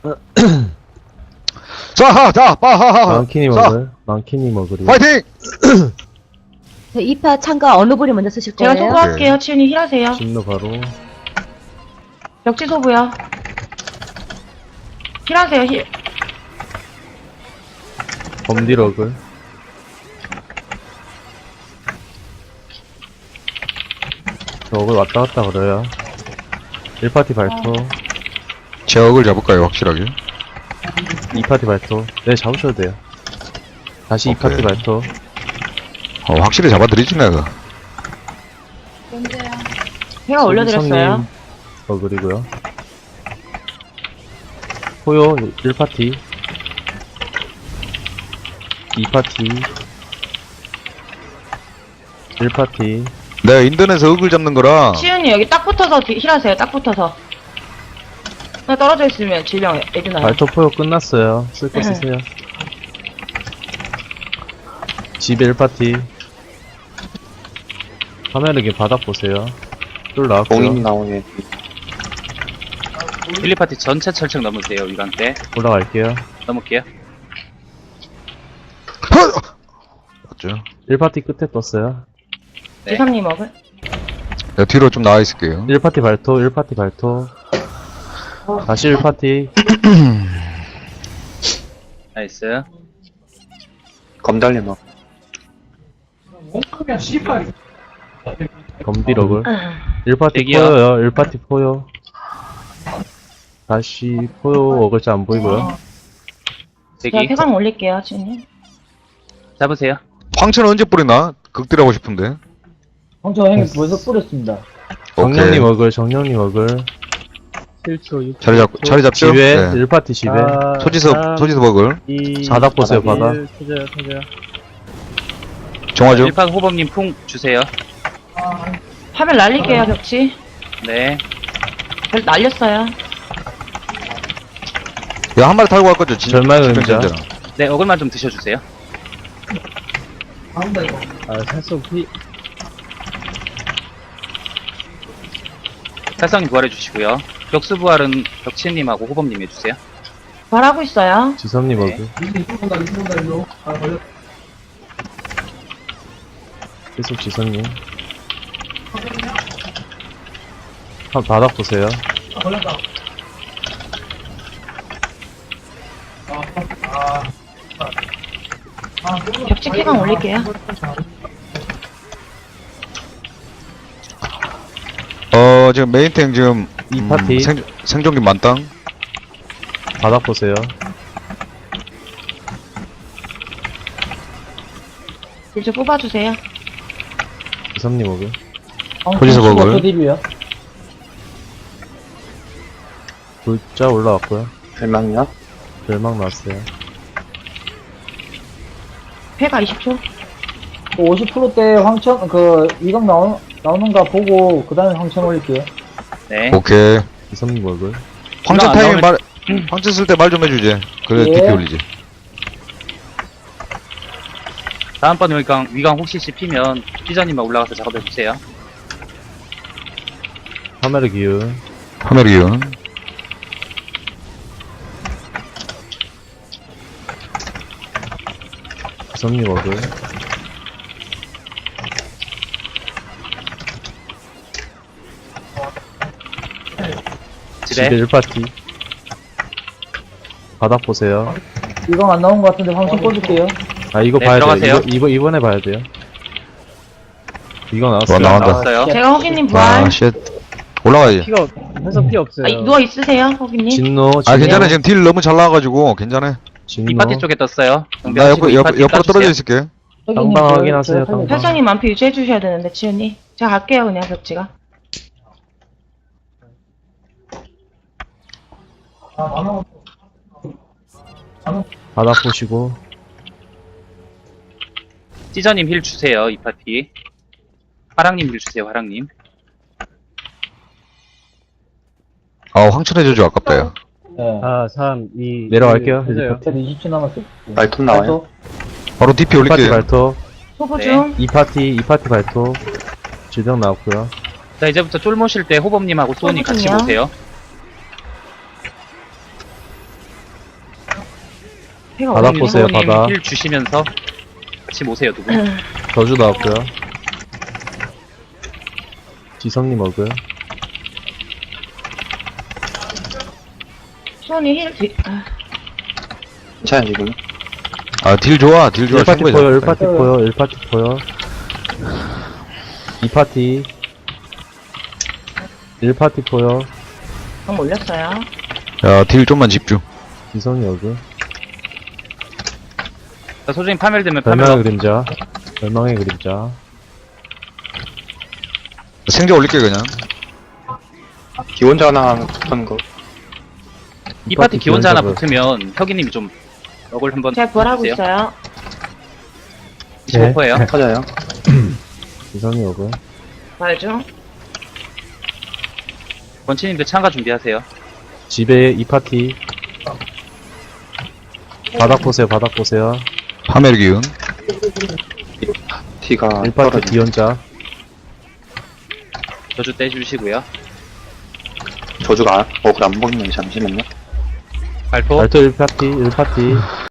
자, 빠하하하. 망키니 먹을. 망키니 먹으리. 파이팅! 네, 2파 참가 어느 분이 먼저 쓰실 제가 거예요? 소부할게요. 치윤이 힐하세요. 진노 바로. 벽지 소부요. 힐하세요, 힐. 범디럭을. 저걸 왔다 갔다 그래요. 1파티 발토. 제 억을 잡을까요, 확실하게? 2파티 발토. 네, 잡으셔도 돼요. 다시 오케이. 2파티 발토. 확실히 잡아드리지, 내가. 제가 올려드렸어요. 그리고요. 호요 1파티. 2파티. 1파티. 내가 인터넷에서 억을 잡는 거라. 치윤이 여기 딱 붙어서 힐하세요. 딱 붙어서. 그냥 떨어져 있으면 질병 애드나요. 발토 포요 끝났어요. 쓸 거 쓰세요. 집에 1파티. 화면에 바닥 보세요. 쫄 나왔고요. 공인 나오네. 1, 2파티 전체 철책 넘으세요, 위강 때. 올라갈게요. 넘을게요. 맞죠? 1파티 끝에 떴어요. 네. 지삼님 먹을. 내가 뒤로 좀 나와 있을게요. 1파티 발토, 1파티 발토. 다시 1파티. 나이스. 검달래 뭐. 검디럭을. 1파티 대기요. 포요요, 1파티 포요. 다시 포요 어글자 안 보이고요. 제가 대기. 폐광 올릴게요, 치윤님. 잡으세요. 황천은 언제 뿌리나? 극딜하고 싶은데. 황천 형님 벌써 뿌렸습니다. 정령님 어글, 정령님 어글. 자리 잡죠? 집에, 네. 1파티 집에. 소지섭 억을. 바닥 보세요, 바닥. 정화죠? 1파 호범님 풍 주세요. 화면 날릴게요, 벽지. 네. 별 날렸어요. 야, 한 마리 탈고 갈 거죠? 절망의 음자. 네, 어글만 좀 드셔주세요. 살성님 부활해주시고요. 격수 부활은 벽치님하고 호범님 해주세요. 말하고 있어요. 지섭님 네. 어글. 계속 지섭님. 바닥 보세요. 벽지 폐광 올릴게요. 지금 메인탱 지금, 이 파티. 생존기 만땅. 바닥 보세요. 이제 뽑아주세요. 지섭님 어글. 거기서 먹을. 딜이요. 불자 올라왔고요. 별망이야? 멸망 나왔어요. 폐가 20초. 50%대 황천 이강 나오는가 보고 그 다음에 황천 올릴게요. 네. 오케이. 지섭님 어글. 황천 안 타이밍 나오면- 황천 쓸 때 말 좀 해주지. 그래, 예. DP 올리지. 다음번 위강 혹시 씹히면 피자님만 올라가서 작업해주세요. 카메라 기운. 카메라 기운. 지섭님 어글. 집에. 집에 1파티. 바닥 보세요. 이강 안 나온 것 같은데 황천 꽂을게요. 아, 이거 네, 봐야 들어가세요. 돼요. 이번에 봐야 돼요. 이거 나왔어요. 나온다. 나왔어요. 제가 허기님 부활. 아, 쉣. 올라가야지. 아, 누워있으세요, 허기님. 진노, 아, 진노. 괜찮아. 지금 딜 너무 잘 나와가지고, 괜찮아. 진노. 2파티 쪽에 떴어요. 나 옆으로 떨어져 있을게. 당방 확인하세요, 당방. 회장님 만피 유지해주셔야 되는데, 치윤이. 제가 갈게요, 그냥 벽지가. 바닥 보시고. 찌저님 힐 주세요, 2파티. 화랑님 힐 주세요, 화랑님. 황천 해줘줘, 아깝다, 야. 네. 3, 2, 내려갈게요. 쟤도 20초 남았어요. 말톤 나와요? 바로 DP 1파티 올릴게요. 발토. 소부 네. 중. 2파티 발토. 질병 나왔고요. 자, 이제부터 쫄 모실 때 호범님하고 소은이 같이 소은이요? 보세요. 해가 바닥 오는 보세요, 유성우님 바닥. 힐 주시면서 같이 모세요, 두 분. 저주 나왔고요. 지성님 어그. 수원이 힐 뒤, 괜찮아, 지금. 아, 딜 좋아, 딜 좋아. 1파티 충분히 보여, 잡았다. 1파티 보여, 1파티 보여. 2파티. 1파티 보여. 방 올렸어요. 야, 딜 좀만 집중. 지성이 어그. 자, 소중히 파멸되면 멸망의 파멸. 그림자. 멸망의 그림자. 생자 올릴게, 그냥. 기원자 하나 하는 거. 이 파티 기원자 하나 기원자 붙으면 혁이님이 좀 역을 한번 제가 부활하고 주세요. 있어요. 25%예요. 터져요. 지성이 어그. 부활 중. 원치님도 참가 준비하세요. 집에 2파티. 바닥 보세요, 바닥 보세요. 파멸 기운. 티가 1파티 떨어져. 기원자. 저주 떼주시고요. 저주가, 그래, 안 보이네. 잠시만요. 발포. 발토 1파티, 1파티.